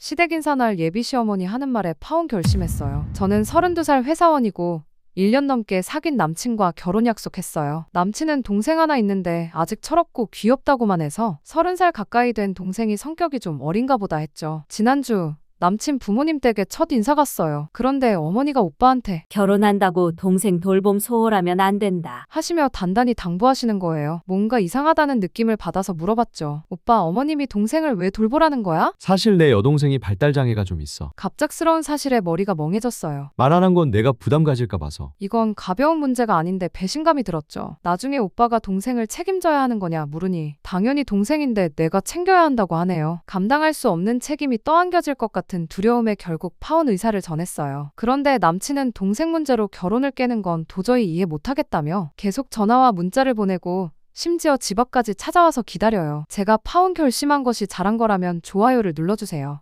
시댁 인사날 예비 시어머니 하는 말에 파혼 결심했어요. 저는 32살 회사원이고 1년 넘게 사귄 남친과 결혼 약속했어요. 남친은 동생 하나 있는데 아직 철없고 귀엽다고만 해서 30살 가까이 된 동생이 성격이 좀 어린가 보다 했죠. 지난주 남친 부모님 댁에 첫 인사 갔어요. 그런데 어머니가 오빠한테 결혼한다고 동생 돌봄 소홀하면 안 된다. 하시며 단단히 당부하시는 거예요. 뭔가 이상하다는 느낌을 받아서 물어봤죠. 오빠, 어머님이 동생을 왜 돌보라는 거야? 사실 내 여동생이 발달장애가 좀 있어. 갑작스러운 사실에 머리가 멍해졌어요. 말 안 한 건 내가 부담 가질까 봐서. 이건 가벼운 문제가 아닌데 배신감이 들었죠. 나중에 오빠가 동생을 책임져야 하는 거냐 물으니 당연히 동생인데 내가 챙겨야 한다고 하네요. 감당할 수 없는 책임이 떠안겨질 것 같은 두려움에 결국 파혼 의사를 전했어요. 그런데 남친은 동생 문제로 결혼을 깨는 건 도저히 이해 못하겠다며 계속 전화와 문자를 보내고 심지어 집 앞까지 찾아와서 기다려요. 제가 파혼 결심한 것이 잘한 거라면 좋아요를 눌러주세요.